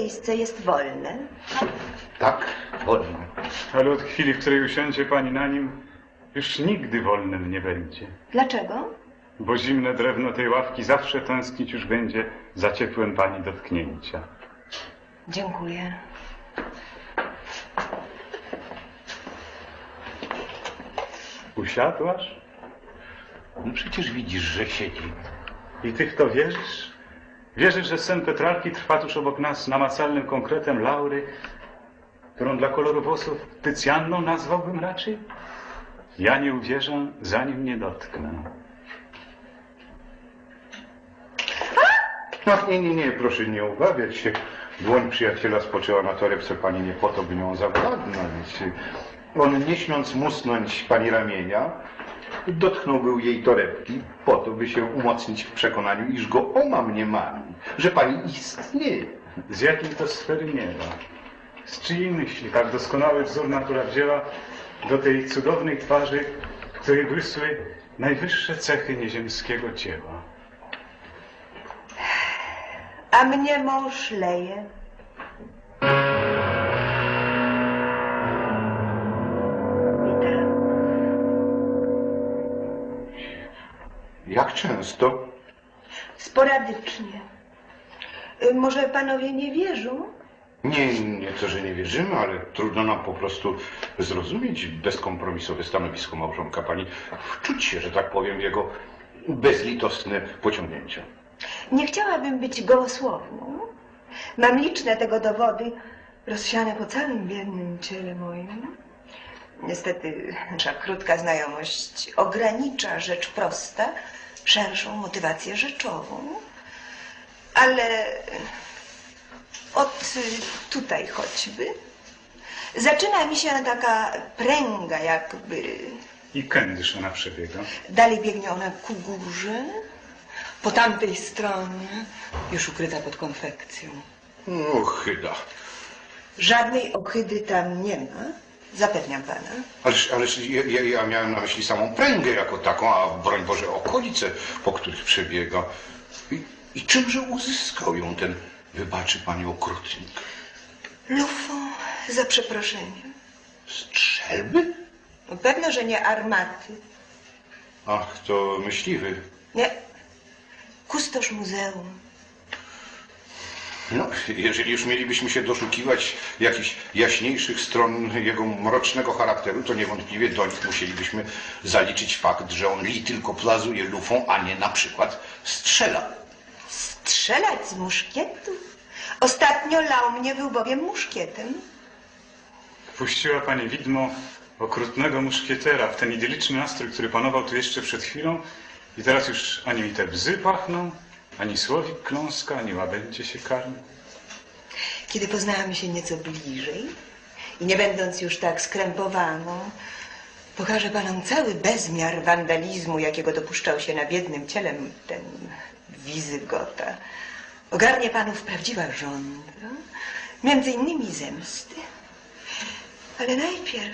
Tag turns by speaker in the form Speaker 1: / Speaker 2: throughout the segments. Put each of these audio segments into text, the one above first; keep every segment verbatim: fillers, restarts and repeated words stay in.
Speaker 1: miejsce jest wolne?
Speaker 2: Tak, wolne.
Speaker 3: Ale od chwili, w której usiądzie pani na nim, już nigdy wolnym nie będzie.
Speaker 1: Dlaczego?
Speaker 3: Bo zimne drewno tej ławki zawsze tęsknić już będzie za ciepłem pani dotknięcia.
Speaker 1: Dziękuję.
Speaker 3: Usiadłaś?
Speaker 2: No przecież widzisz, że siedzi.
Speaker 3: I ty w to wierzysz? Wierzysz, że sen Petrarki trwa tuż obok nas namacalnym konkretem Laury, którą dla koloru włosów Tycjanną nazwałbym raczej? Ja nie uwierzę, zanim nie dotknę.
Speaker 2: No nie, nie, nie, proszę nie obawiać się. Dłoń przyjaciela spoczęła na torebce pani nie po to, by nią zawładnąć. On, nie śmiąc musnąć pani ramienia, dotknął był jej torebki po to, by się umocnić w przekonaniu, iż go oma mnie mami, że pani istnieje.
Speaker 3: Z jakiej to sfery nieba? Z czyjej myśli tak doskonały wzór natura wzięła do tej cudownej twarzy, w której błysły najwyższe cechy nieziemskiego dzieła?
Speaker 1: A mnie mąż leje. Witam.
Speaker 2: Jak często?
Speaker 1: Sporadycznie. Y, Może panowie nie wierzą?
Speaker 2: Nie, nie to, że nie wierzymy, ale trudno nam po prostu zrozumieć bezkompromisowe stanowisko małżonka pani. Wczuć się, że tak powiem, w jego bezlitosne pociągnięcia.
Speaker 1: Nie chciałabym być gołosłowną. Mam liczne tego dowody rozsiane po całym biednym ciele moim. Niestety nasza krótka znajomość ogranicza rzecz prosta, szerszą motywację rzeczową. Ale od tutaj choćby zaczyna mi się taka pręga jakby.
Speaker 3: I kędyż ona przebiega?
Speaker 1: Dalej biegnie ona ku górze, po tamtej stronie, już ukryta pod konfekcją.
Speaker 2: No, chyba.
Speaker 1: Żadnej ohydy tam nie ma, zapewniam pana.
Speaker 2: Ależ, ależ ja, ja, ja miałem na myśli samą pręgę jako taką, a broń Boże okolice, po których przebiega. I, i czymże uzyskał ją ten, wybaczy pani, okrutnik?
Speaker 1: Lufą, za przeproszeniem.
Speaker 2: Strzelby?
Speaker 1: No, pewno, że nie armaty.
Speaker 2: Ach, to myśliwy.
Speaker 1: Nie, kustosz muzeum.
Speaker 2: No, jeżeli już mielibyśmy się doszukiwać jakichś jaśniejszych stron jego mrocznego charakteru, to niewątpliwie do nich musielibyśmy zaliczyć fakt, że on li tylko plazuje lufą, a nie na przykład strzela.
Speaker 1: Strzelać z muszkietu? Ostatnio lał mnie był bowiem muszkietem.
Speaker 3: Wpuściła pani widmo okrutnego muszkietera w ten idyliczny nastrój, który panował tu jeszcze przed chwilą i teraz już ani mi te bzy pachną, ani słowik kląska, ani łabędzie się karmi.
Speaker 1: Kiedy poznałam się nieco bliżej i nie będąc już tak skrępowaną, pokażę panom cały bezmiar wandalizmu, jakiego dopuszczał się na biednym ciele ten Wizygota. Ogarnie panów prawdziwa żądza, między innymi zemsty. Ale najpierw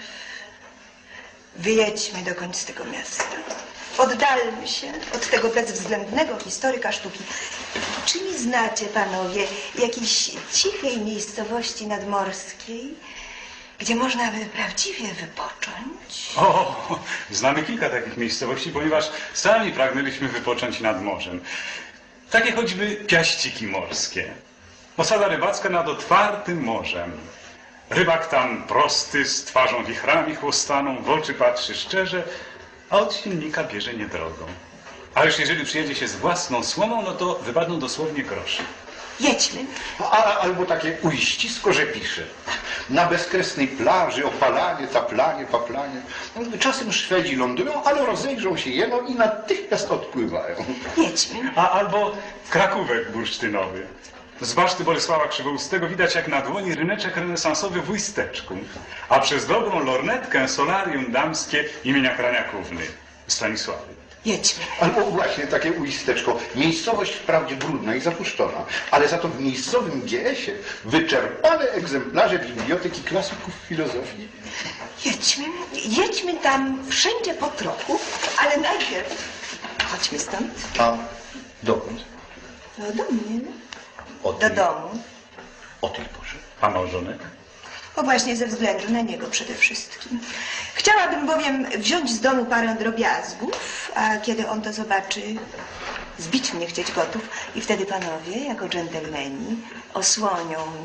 Speaker 1: wyjedźmy dokąd z tego miasta. Oddalmy się od tego bezwzględnego historyka sztuki. Czy nie znacie, panowie, jakiejś cichej miejscowości nadmorskiej, gdzie można by prawdziwie wypocząć?
Speaker 3: O, znamy kilka takich miejscowości, ponieważ sami pragnęliśmy wypocząć nad morzem. Takie choćby Piaściki morskie. Osada rybacka nad otwartym morzem. Rybak tam prosty, z twarzą wichrami chłostaną, w oczy patrzy szczerze, a od silnika bierze niedrogą. A już jeżeli przyjedzie się z własną słomą, no to wypadną dosłownie grosze.
Speaker 1: Jedźmy.
Speaker 2: A, albo takie uścisko, że pisze. Na bezkresnej plaży opalanie, taplanie, paplanie. Czasem Szwedzi lądują, ale rozejrzą się jeno i natychmiast odpływają.
Speaker 1: Jedźmy.
Speaker 3: A albo Krakówek bursztynowy. Z baszty Bolesława Krzywoustego widać jak na dłoni ryneczek renesansowy w Uisteczku, a przez dobrą lornetkę solarium damskie imienia Kraniakówny, Stanisławy.
Speaker 1: Jedźmy.
Speaker 2: Albo właśnie takie uisteczko. Miejscowość wprawdzie brudna i zapuszczona, ale za to w miejscowym G S ie wyczerpane egzemplarze biblioteki klasyków filozofii.
Speaker 1: Jedźmy. Jedźmy tam wszędzie po trochu, ale najpierw chodźmy stąd.
Speaker 2: A dokąd?
Speaker 1: No do mnie.
Speaker 2: Od
Speaker 1: Do
Speaker 2: mnie.
Speaker 1: domu.
Speaker 2: o tej porze.
Speaker 3: A małżonek?
Speaker 1: O właśnie ze względu na niego przede wszystkim. Chciałabym bowiem wziąć z domu parę drobiazgów, a kiedy on to zobaczy, zbić mnie chcieć gotów i wtedy panowie, jako dżentelmeni, osłonią